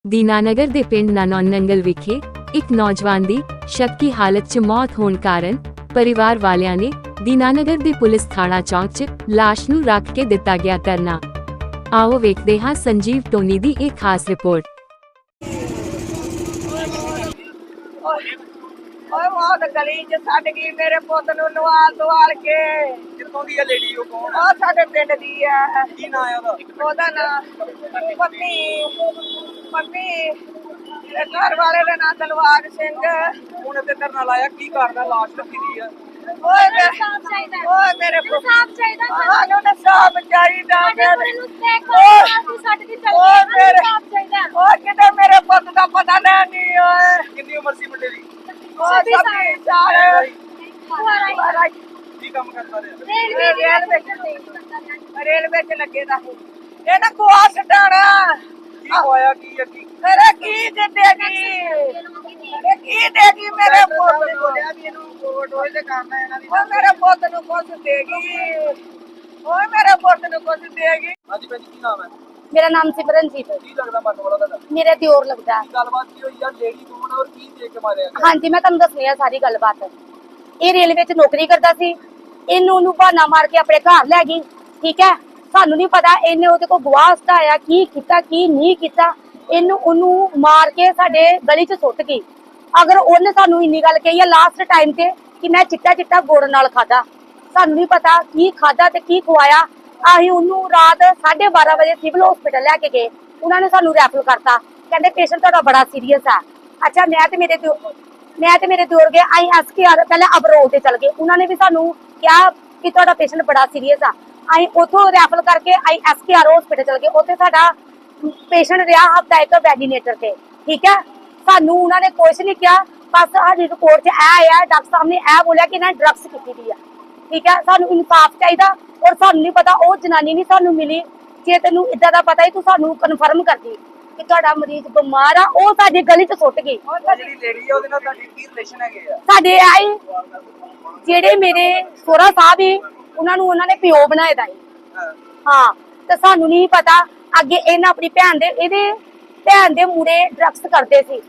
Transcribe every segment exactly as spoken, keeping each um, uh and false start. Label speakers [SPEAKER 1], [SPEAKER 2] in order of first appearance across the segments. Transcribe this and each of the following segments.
[SPEAKER 1] ਦੀਨਾਨਗਰ ਦੇ ਪਿੰਡ ਨਾਨੌਨ ਨੰਗਲ ਵਿਖੇ ਇੱਕ ਨੌਜਵਾਨ ਦੀ ਸ਼ੱਕ ਦੀ ਹਾਲਤ 'ਚ ਮੌਤ ਹੋਣ ਕਾਰਨ ਪਰਿਵਾਰ ਵਾਲਿਆਂ ਨੇ ਦੀਨਾਨਗਰ ਦੇ ਪੁਲਿਸ ਥਾਣਾ ਚੌਂਕ 'ਚ ਲਾਸ਼ ਨੂੰ ਰੱਖ ਕੇ ਦਿੱਤਾ ਗਿਆ ਧਰਨਾ। ਆਓ ਵੇਖਦੇ ਹਾਂ ਸੰਜੀਵ ਟੋਨੀ ਦੀ ਇਹ ਖਾਸ ਰਿਪੋਰਟ।
[SPEAKER 2] ਓਏ ਬਹੁਤ ਗਲੀ ਚ ਛੱਡ ਗਈ ਮੇਰੇ ਪੁੱਤ ਨੂੰ ਨਵਾਲ ਦਵਾਲ ਕੇ।
[SPEAKER 3] ਕਿੱਥੋਂ ਦੀ ਹੈ ਲੇਡੀ? ਉਹ ਕੌਣ
[SPEAKER 2] ਉਹ ਸਾਡੇ ਪਿੰਡ ਦੀ ਹੈ।
[SPEAKER 3] ਕੀ ਨਾਂ ਹੈ ਉਹਦਾ?
[SPEAKER 2] ਉਹਦਾ ਨਾਂ ਪੰਮੀ ਪੰਮੀ ਮੇਰੇ ਘਰ ਵਾਲੇ ਦਾ ਨਾਂ ਦਲਵਾਰ ਸਿੰਘ।
[SPEAKER 3] ਹੁਣ ਇੱਥੇ ਧਰਨਾ ਲਾਇਆ, ਕੀ ਕਰਦਾ? ਲਾਸ਼ ਰੱਖੀ ਦੀ ਹੈ।
[SPEAKER 2] ਓਏ ਮੇਰੇ ਓਏ ਮੇਰੇ ਪੁੱਤ ਸਾਫ ਚਾਹੀਦਾ, ਸਾਨੂੰ ਤਾਂ ਸਾਫ ਚਾਹੀਦਾ। ਮੇਰੇ ਨੂੰ ਦੇਖ ਲਓ ਛੱਡ ਕੇ ਚੱਲ ਗਈ, ਸਾਨੂੰ ਸਾਫ ਚਾਹੀਦਾ। ਓਏ ਕਿਤੇ ਮੇਰੇ ਪੁੱਤ ਦਾ ਪਤਾ ਨਹੀਂ। ਓਏ
[SPEAKER 3] ਕਿੰਨੀ ਉਮਰ ਸੀ ਮੁੰਡੇ ਦੀ?
[SPEAKER 2] ਸੱਤੀ ਸਾਲ।
[SPEAKER 3] ਕੀ ਕੰਮ ਕਰਦਾ ਰਿਹਾ?
[SPEAKER 2] ਰੇਲਵੇ ਰੇਲਵੇ ਰੇਲਵੇ ਚ ਲੱਗੇ ਦਾ ਇਹ ਨਾ ਕੋਆ ਸਟਾਣਾ।
[SPEAKER 3] ਕੀ ਹੋਇਆ? ਕੀ ਹੈ? ਕੀ
[SPEAKER 2] ਮੇਰੇ ਕੀ ਦੇਗੀ ਇਹ ਕੀ ਦੇਗੀ ਮੇਰੇ ਪੁੱਤ ਨੂੰ?
[SPEAKER 3] ਬੋਲਿਆ ਵੀ ਇਹਨੂੰ ਕੋਟ ਹੋਏ ਤੇ ਕੰਮ ਹੈ ਇਹਨਾਂ ਦੀ।
[SPEAKER 2] ਓ ਮੇਰੇ ਪੁੱਤ ਨੂੰ ਕੁਛ ਦੇਗੀ। ਓਏ ਮੇਰੇ ਪੁੱਤ ਨੂੰ ਕੁਛ ਦੇਗੀ।
[SPEAKER 3] ਹਾਂਜੀ ਭੈਣ ਜੀ, ਕੀ ਨਾਮ ਹੈ?
[SPEAKER 4] ਮੇਰਾ ਨਾਮ ਸਿਮਰਨਜੀਤ।
[SPEAKER 3] ਕੀ ਲੱਗਦਾ ਮਰਨ ਵਾਲਾ ਤੁਹਾਡਾ?
[SPEAKER 4] ਮੇਰੇ ਦਿਓਰ ਲੱਗਦਾ।
[SPEAKER 3] ਕੀ ਗੱਲਬਾਤ ਕੀ ਹੋਈ ਯਾਰ? ਲੇਡੀ ਕੌਣ ਔਰ ਕੀ ਦੇਖ ਕੇ ਮਾਰਿਆ ਗਿਆ?
[SPEAKER 4] ਹਾਂਜੀ, ਮੈਂ ਤੁਹਾਨੂੰ ਦੱਸਣੀ ਆ ਸਾਰੀ ਗੱਲਬਾਤ। ਇਹ ਰੇਲਵੇ 'ਚ ਨੌਕਰੀ ਕਰਦਾ ਸੀ। ਇਹਨੂੰ ਉਹਨੂੰ ਬਹਾਨਾ ਮਾਰ ਕੇ ਆਪਣੇ ਘਰ ਲੈ ਗਈ। ਠੀਕ ਹੈ, ਸਾਨੂੰ ਨਹੀਂ ਪਤਾ ਇਹਨੇ ਉਹਦੇ ਕੋਲ ਗਵਾਹ ਹਟਾਇਆ ਕੀ ਕੀਤਾ ਕੀ ਨਹੀਂ ਕੀਤਾ। ਇਹਨੂੰ ਉਹਨੂੰ ਮਾਰ ਕੇ ਸਾਡੇ ਗਲੀ 'ਚ ਸੁੱਟ ਗਈ। ਅਗਰ ਉਹਨੇ ਸਾਨੂੰ ਇੰਨੀ ਗੱਲ ਕਹੀ ਹੈ ਲਾਸਟ ਟਾਈਮ ਤੇ ਕਿ ਮੈਂ ਚਿੱਟਾ ਚਿੱਟਾ ਗੁੜ ਨਾਲ ਖਾਦਾ, ਸਾਨੂੰ ਨਹੀਂ ਪਤਾ ਕੀ ਖਾਦਾ ਤੇ ਕੀ ਖਵਾਇਆ। ਅਸੀਂ ਉਹਨੂੰ ਰਾਤ ਸਾਢੇ ਬਾਰਾਂ ਵਜੇ ਸਿਵਲ ਹਸਪੀਟਲ ਲੈ ਕੇ ਗਏ। ਉਹਨਾਂ ਨੇ ਸਾਨੂੰ ਰੈਫਰ ਕਰਤਾ, ਕਹਿੰਦੇ ਪੇਸ਼ੈਂਟ ਤੁਹਾਡਾ ਬੜਾ ਸੀਰੀਅਸ ਆ। ਅੱਛਾ, ਮੈਂ ਤੇ ਮੇਰੇ ਮੈਂ ਤੇ ਮੇਰੇ ਦਿਓਰ ਗਏ। ਅਸੀਂ ਐਸ ਕੇ ਆਰ ਪਹਿਲਾਂ ਅਬਰੋਲ ਤੇ ਚਲ ਗਏ। ਉਹਨਾਂ ਨੇ ਵੀ ਸਾਨੂੰ ਕਿਹਾ ਕਿ ਤੁਹਾਡਾ ਪੇਸ਼ੈਂਟ ਬੜਾ ਸੀਰੀਅਸ ਆ। ਅਸੀਂ ਉੱਥੋਂ ਰੈਫਰ ਕਰਕੇ ਅਸੀਂ ਐਸ ਕੇ ਆਰ ਹਸਪੀਟਲ ਚਲ ਗਏ। ਉੱਥੇ ਸਾਡਾ ਪੇਸ਼ੈਂਟ ਰਿਹਾ ਹਫਤਾ ਇੱਕ ਵੈਡੀਨੇਟਰ ਤੇ। ਠੀਕ ਹੈ, ਸਾਨੂੰ ਉਹਨਾਂ ਨੇ ਕੁਛ ਨਹੀਂ ਕਿਹਾ, ਬਸ ਸਾਡੀ ਰਿਪੋਰਟ 'ਚ ਇਹ ਆਇਆ ਡਾਕਟਰ ਸਾਹਿਬ ਨੇ ਇਹ ਬੋਲਿਆ ਕਿ ਇਹਨਾਂ ਡਰੱਗਸ ਕੀਤੀ ਦੀ ਆ। ਠੀਕ ਹੈ, ਸਾਨੂੰ ਇਨਸਾਫ ਚਾਹੀਦਾ। ਔਰ ਸਾਨੂੰ ਨਹੀਂ ਪਤਾ ਉਹ ਜਨਾਨੀ ਨਹੀਂ ਸਾਨੂੰ ਮਿਲੀ। ਜੇ ਤੈਨੂੰ ਇਦਾਂ ਦਾ ਪਤਾ ਹੀ ਤੂੰ ਸਾਨੂੰ ਕਨਫਰਮ ਕਰਦੀ ਕਿ ਤੁਹਾਡਾ ਮਰੀਜ਼ ਬਿਮਾਰ ਆ। ਉਹ ਸਾਡੇ ਗਲੀ 'ਚ ਸੁੱਟ ਗਈ।
[SPEAKER 3] ਉਹ ਜਿਹੜੀ ਲੇਡੀ ਹੈ ਉਹਦੇ ਨਾਲ ਤੁਹਾਡੀ ਕੀ ਰਿਲੇਸ਼ਨ ਹੈਗੇ ਆ?
[SPEAKER 4] ਸਾਡੇ ਆਏ ਜਿਹੜੇ ਮੇਰੇ ਸੋਹਰਾ ਸਾਹਿਬ ਹੀ ਉਹਨਾਂ ਨੂੰ ਉਹਨਾਂ ਨੇ ਪਿਓ ਬਣਾਏ ਦਾ। ਹਾਂ, ਤੇ ਸਾਨੂੰ ਨਹੀਂ ਪਤਾ। ਅੱਗੇ ਇਹਨਾਂ ਆਪਣੀ ਭੈਣ ਦੇ ਇਹਦੇ ਭੈਣ ਦੇ ਮੂਰੇ ਡਰੱਗਸ ਕਰਦੇ ਸੀ।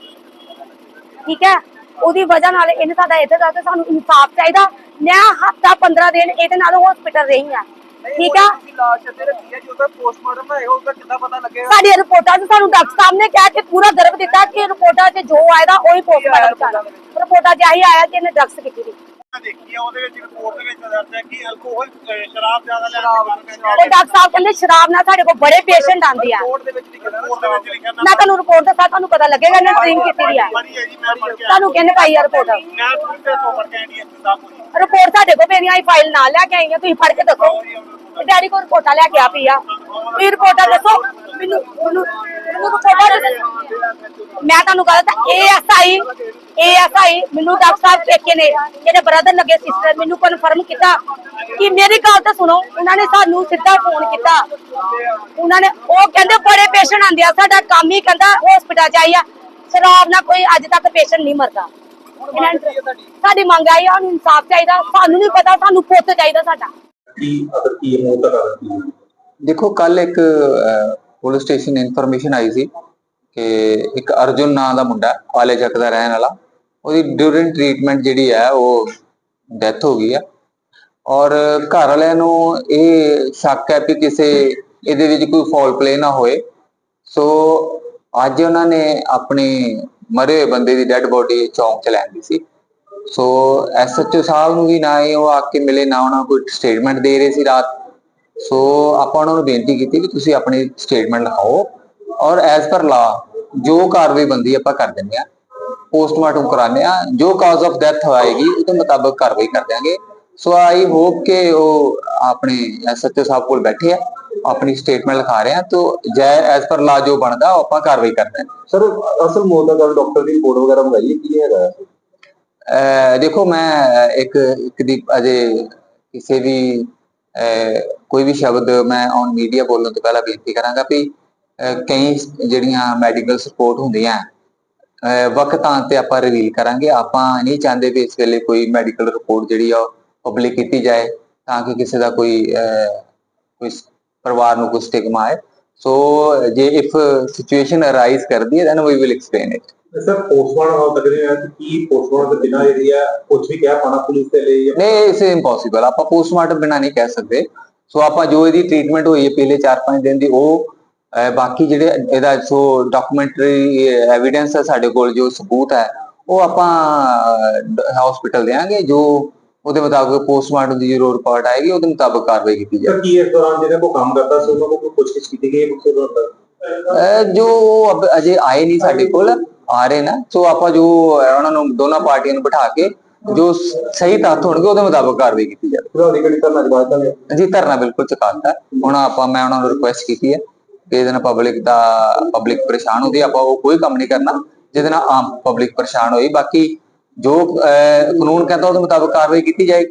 [SPEAKER 4] ਠੀਕ ਹੈ, ਉਹਦੀ ਵਜ੍ਹਾ ਨਾਲ ਇਹਨੇ ਸਾਡਾ ਇੱਥੇ ਦਾ। ਸਾਨੂੰ ਇਨਸਾਫ ਚਾਹੀਦਾ। ਮੈਂ ਹਫਤਾ ਪੰਦਰਾਂ ਦਿਨ ਇਹਦੇ ਨਾਲ ਹਸਪੀਟਲ ਰਹੀ ਆ। ਠੀਕ ਆ,
[SPEAKER 3] ਲਾਸ਼ ਇੱਥੇ ਰੱਖੀ ਹੈ, ਜਦੋਂ ਪੋਸਟਮਾਰਟਮ ਹੋਏਗਾ ਉਹਦਾ ਕਿੱਦਾਂ ਪਤਾ ਲੱਗੇਗਾ?
[SPEAKER 4] ਸਾਡੀ ਰਿਪੋਰਟਾਂ 'ਚ ਸਾਨੂੰ ਡਾਕਟਰ ਸਾਹਿਬ ਨੇ ਕਿਹਾ ਕਿ ਪੂਰਾ ਦਰਬ ਦਿੱਤਾ ਕਿ ਰਿਪੋਰਟਾਂ 'ਚ ਜੋ ਆਏਗਾ ਉਹੀ ਪੋਸਟਮਾਰਟਮ ਕਰਨਾ। ਰਿਪੋਰਟਾਂ 'ਚ ਆਹੀ ਆਇਆ ਕਿ ਇਹਨੇ ਡਰੱਗਸ ਕੀਤੀ ਸੀ।
[SPEAKER 3] ਦੇਖੀ ਆ ਉਹਦੇ ਵਿੱਚ ਰਿਪੋਰਟ ਦੇ ਵਿੱਚ ਦਰਜ ਹੈ ਕਿ ਅਲਕੋਹਲ ਸ਼ਰਾਬ ਜ਼ਿਆਦਾ ਲੈਣ
[SPEAKER 4] ਉਹ ਡਾਕਟਰ ਸਾਹਿਬ ਕਹਿੰਦੇ ਸ਼ਰਾਬ ਨਾਲ ਸਾਡੇ ਕੋਲ ਬੜੇ ਪੇਸ਼ੈਂਟ ਆਉਂਦੇ ਆ।
[SPEAKER 3] ਰਿਪੋਰਟ ਦੇ ਵਿੱਚ ਲਿਖਿਆ ਰਿਪੋਰਟ ਦੇ ਵਿੱਚ ਲਿਖਿਆ
[SPEAKER 4] ਮੈਂ ਤੁਹਾਨੂੰ ਰਿਪੋਰਟ ਦੱਸਾਂ, ਤੁਹਾਨੂੰ ਪਤਾ ਲੱਗੇਗਾ ਇਹਨੇ ਡਰਿੰਕ ਕੀਤੀ ਦੀ ਆ। ਤੁਹਾਨੂੰ ਕਹਿੰਦੇ ਪਾਈ ਆ ਰਿਪੋਰਟ।
[SPEAKER 3] ਮੈਂ ਤੁਹਾਡੇ ਤੋਂ ਪੜ ਕੇ ਆਈ ਹਾਂ ਸਾਹਿਬ।
[SPEAKER 4] ਰਿਪੋਰਟ ਸਾਡੇ ਕੋਲ ਮੇਰੀ ਆਈ ਫਾਈਲ ਨਾਲ ਲੈ ਕੇ ਆਈ ਆ। ਤੁਸੀਂ ਫੜ ਕੇ ਦੱਸੋ। ਡੈਡੀ ਕੋਲ ਰਿਪੋਰਟਾਂ ਲੈ ਕੇ ਆ ਪਈ ਆ। ਇਹ ਰਿਪੋਰਟਾਂ ਦੱਸੋ ਮੈਨੂੰ। ਮੈਨੂੰ ਮੈਨੂੰ ਰਿਪੋਰਟਾਂ ਮੈਂ ਤੁਹਾਨੂੰ ਕਹਾਂ ਤਾਂ ਇਹ ਐਸਆਈ ਇਹ ਐਸਆਈ ਮੈਨੂੰ ਡਾਕਟਰ ਸਾਹਿਬ ਪੇਕੇ ਨੇ ਜਿਹੜੇ ਬ੍ਰਦਰ ਲੱਗੇ ਸਿਸਟਰ ਮੈਨੂੰ ਕਨਫਰਮ ਕੀਤਾ ਕਿ ਮੇਰੀ ਗੱਲ ਤਾਂ ਸੁਣੋ। ਉਹਨਾਂ ਨੇ ਸਾਨੂੰ ਸਿੱਧਾ ਫੋਨ ਕੀਤਾ। ਉਹਨਾਂ ਨੇ ਉਹ ਕਹਿੰਦੇ ਬੜੇ ਪੇਸ਼ੈਂਟ ਆਉਂਦੇ ਆ। ਸਾਡਾ ਕੰਮ ਹੀ ਕਹਿੰਦਾ ਹਸਪੀਟਲ ਚ ਆਈ ਆ ਸ਼ਰਾਬ ਨਾਲ ਕੋਈ ਅੱਜ ਤੱਕ ਪੇਸ਼ੈਂਟ ਨਹੀਂ ਮਰਦਾ। ਸਾਡੀ ਮੰਗ ਆਈ ਆ, ਇਨਸਾਫ ਚਾਹੀਦਾ। ਸਾਨੂੰ ਨਹੀਂ ਪਤਾ, ਸਾਨੂੰ ਪੁੱਤ ਚਾਹੀਦਾ ਸਾਡਾ।
[SPEAKER 5] देखो, कल एक पुलिस स्टेशन इनफॉर्मेशन आई सी कि एक अर्जुन नाम का मुंडा पाले चक का रहने वाला, ਉਹਦੀ ਡਿਊਰਿੰਗ ਟ੍ਰੀਟਮੈਂਟ ਜਿਹੜੀ ਹੈ ਉਹ ਡੈਥ ਹੋ ਗਈ ਹੈ। ਔਰ ਘਰ ਵਾਲਿਆਂ ਨੂੰ ਇਹ ਸ਼ੱਕ ਹੈ ਕਿ ਕਿਸੇ ਇਹਦੇ ਵਿੱਚ ਕੋਈ ਫਾਉਲ ਪਲੇ ਨਾ ਹੋਏ। ਸੋ ਅੱਜ ਉਹਨਾਂ ਨੇ ਆਪਣੀ ਮਰੇ ਹੋਏ ਬੰਦੇ ਦੀ ਡੈੱਡ ਬੋਡੀ ਚੌਂਕ ਚ ਲੈਂਦੀ ਸੀ। ਸੋ ਐਸ ਐਚ ਓ ਸਾਹਿਬ ਨੂੰ ਵੀ ਨਾ ਇਹ ਉਹ ਆ ਕੇ ਮਿਲੇ, ਨਾ ਉਹਨਾਂ ਕੋਈ ਸਟੇਟਮੈਂਟ ਦੇ ਰਹੇ ਸੀ ਰਾਤ। ਸੋ ਆਪਾਂ ਉਹਨਾਂ ਨੂੰ ਬੇਨਤੀ ਕੀਤੀ ਕਿ ਤੁਸੀਂ ਆਪਣੀ ਸਟੇਟਮੈਂਟ ਲਿਖਾਓ ਔਰ ਐਜ਼ ਪਰ ਲਾ ਜੋ ਕਾਰਵਾਈ ਬੰਦੀ ਆਪਾਂ ਕਰ ਦਿੰਦੇ ਆ। ਪੋਸਟਮਾਰਟਮ ਕਰਾਉਂਦੇ ਆ, ਜੋ ਕਾਜ਼ ਆਫ ਡੈਥ ਹੋਏਗੀ ਉਹਦੇ ਮੁਤਾਬਕ ਕਾਰਵਾਈ ਕਰ ਦਿਆਂਗੇ। ਸੋ ਆਈ ਹੋਪ ਕਿ ਉਹ ਆਪਣੇ ਐਸ ਐਚ ਓ ਸਾਹਿਬ ਕੋਲ ਬੈਠੇ ਆ, ਆਪਣੀ ਸਟੇਟਮੈਂਟ ਲਿਖਾ ਰਹੇ ਆ। तो जय एज पर ला जो बनता ਆਪਾਂ ਕਾਰਵਾਈ ਕਰਦੇ ਹਾਂ।
[SPEAKER 6] ਸਰ ਅਸਲ ਮੌਤ ਦਾ ਕਾਰਨ ਡਾਕਟਰ ਦੀ ਰਿਪੋਰਟ ਵਗੈਰਾ ਮੰਗਾਈ ਕੀ ਹੈਗਾ?
[SPEAKER 5] ਅਹ ਦੇਖੋ, ਮੈਂ ਇੱਕ ਇੱਕ ਦੀ ਅਜੇ ਕਿਸੇ ਵੀ ਕੋਈ ਵੀ ਸ਼ਬਦ ਮੈਂ ਔਨ ਮੀਡੀਆ ਬੋਲਣ ਤੋਂ ਪਹਿਲਾਂ ਬੇਨਤੀ ਕਰਾਂਗਾ ਵੀ ਕਈ ਜਿਹੜੀਆਂ ਮੈਡੀਕਲ ਸਪੋਰਟ ਹੁੰਦੀਆਂ ਵਕਤਾਂ ਤੇ ਆਪਾਂ ਰਿਵੀਲ ਕਰਾਂਗੇ। ਆਪਾਂ ਨਹੀਂ ਚਾਹੁੰਦੇ ਵੀ ਇਸ ਵੇਲੇ ਕੋਈ ਮੈਡੀਕਲ ਰਿਪੋਰਟ ਜਿਹੜੀ ਆ ਪਬਲਿਕ ਕੀਤੀ ਜਾਏ ਤਾਂ ਕਿ ਕਿਸੇ ਦਾ ਕੋਈ ਕੋਈ ਪਰਿਵਾਰ ਨੂੰ ਕੋਈ ਸਟਿਗਮਾ ਆਏ। ਸੋ ਜੇ ਇਫ ਸਿਚੁਏਸ਼ਨ ਅਰਾਈਜ਼ ਕਰਦੀ ਹੈ then we will explain it.
[SPEAKER 6] Sir postmortem ਹਾਲ ਤੱਕ ਨਹੀਂ ਹੋਇਆ ਕਿ ਕੀ ਪੋਸਟਮਾਰਟਮ ਦੇ ਬਿਨਾਂ ਜਿਹੜੀ ਆ ਕੁਝ ਵੀ ਕਹਿ ਪਾਣਾ ਪੁਲਿਸ ਦੇ ਲਈ ਜਾਂ
[SPEAKER 5] ਨਹੀਂ ਇਸ ਇੰਪੋਸੀਬਲ, ਆਪਾਂ ਪੋਸਟਮਾਰਟਮ ਬਿਨਾਂ ਨਹੀਂ ਕਹਿ ਸਕਦੇ। ਸੋ ਆਪਾਂ ਜੋ ਇਹਦੀ ਟ੍ਰੀਟਮੈਂਟ ਹੋਈ ਹੈ ਪਹਿਲੇ ਚਾਰ ਪੰਜ ਦਿਨ ਦੀ ਉਹ ਅਹ ਬਾਕੀ ਜਿਹੜੇ ਇਹਦਾ ਸੋ ਡਾਕੂਮੈਂਟਰੀ ਐਵੀਡੈਂਸ ਹੈ ਸਾਡੇ ਕੋਲ, ਜੋ ਸਬੂਤ ਹੈ ਉਹ ਆਪਾਂ ਹਸਪੀਟਲ ਦੇਾਂਗੇ। ਜੋ ਉਹਦੇ ਮੁਤਾਬਕ ਪੋਸਟਮਾਰਟਮ ਦੀ ਜੋ ਰਿਪੋਰਟ ਆਏਗੀ ਉਹਦੇ ਮੁਤਾਬਕ ਕਾਰਵਾਈ ਕੀਤੀ
[SPEAKER 6] ਸਰ
[SPEAKER 5] ਜਾਏਗੀ।
[SPEAKER 6] ਕੀ ਇਸ ਦੌਰਾਨ ਜਿਹਨਾਂ ਕੋ ਕੰਮ ਕਰਦਾ ਸੀ ਉਹਨਾਂ ਕੋਲ ਪੁੱਛਗਿੱਛ ਕੀਤੀ ਗਈ ਹੈ ਕਿਸੇ ਦੌਰਾਨ?
[SPEAKER 5] ਅਹ ਜੋ ਅਬ ਅਜੇ ਆਏ ਨਹੀਂ ਸਾਡੇ ਕੋਲ, ਆ ਰਹੇ ਨਾ। ਸੋ ਆਪਾਂ ਜੋ ਉਹਨਾਂ ਨੂੰ ਦੋਨਾਂ ਪਾਰਟੀਆਂ ਨੂੰ ਬਿਠਾ ਕੇ ਜੋ ਸਹੀ ਤੱਥ ਹੋਣਗੇ ਉਹਦੇ ਮੁਤਾਬਕ ਕਾਰਵਾਈ ਕੀਤੀ ਜਾਵੇ।
[SPEAKER 6] ਤੁਹਾਡੀ ਕਿਹੜੀ ਧਰਨਾ ਜਵਾਬ ਦਾਂਗੇ
[SPEAKER 5] ਜੀ ਧਰਨਾ ਬਿਲਕੁਲ ਚੁਕਾਤਾ। ਹੁਣ ਆਪਾਂ ਮੈਂ ਉਹਨਾਂ ਨੂੰ ਰਿਕੁਐਸਟ ਕੀਤੀ ਹੈ ਕਿ ਇਹਦੇ ਨਾਲ ਪਬਲਿਕ ਦਾ ਪਬਲਿਕ ਪਰੇਸ਼ਾਨ ਹੁੰਦੀ, ਆਪਾਂ ਉਹ ਕੋਈ ਕੰਮ ਨਹੀਂ ਕਰਨਾ ਜਿਹਦੇ ਨਾਲ ਆਮ ਪਬਲਿਕ ਪਰੇਸ਼ਾਨ ਹੋਈ। ਬਾਕੀ ਜੋ ਕਾਨੂੰਨ ਕਹਿੰਦਾ ਉਹਦੇ ਮੁਤਾਬਕ ਕਾਰਵਾਈ ਕੀਤੀ ਜਾਏਗੀ।